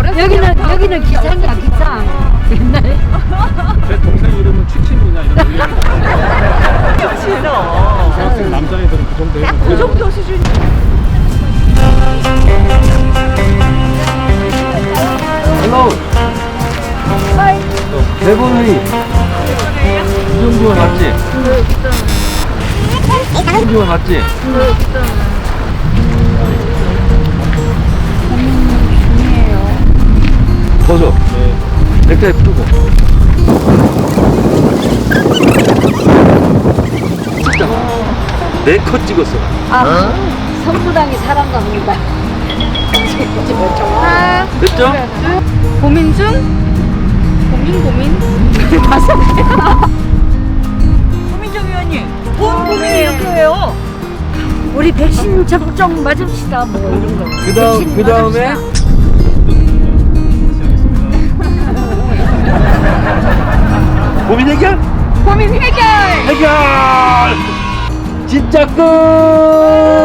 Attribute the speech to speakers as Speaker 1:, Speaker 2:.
Speaker 1: 여기는 기상이야, 기상. 옛날에.
Speaker 2: 제 동생 이름은 취침이냐 이런 거.
Speaker 3: 싫어.
Speaker 2: 중학생 남자애들은 그 정도 해요.
Speaker 3: 그 정도 수준.
Speaker 4: 헬로. 대본회의. 이정규원 맞지? 이정규원 맞지? 벗어. 넥타이 풀고. 찍잖아. 4컷 찍었어.
Speaker 1: 아, 선부당이 사람과 봅니다.
Speaker 4: 됐죠?
Speaker 3: 고민 중? 고민? 고민정 위원님, 뭔 고민이 이렇게 해요?
Speaker 1: 우리 백신 접종 맞읍시다, 뭐 이런 거.
Speaker 4: 그 다음에 고민 해결?
Speaker 3: 고민 해결!
Speaker 4: 해결! 진짜 끝!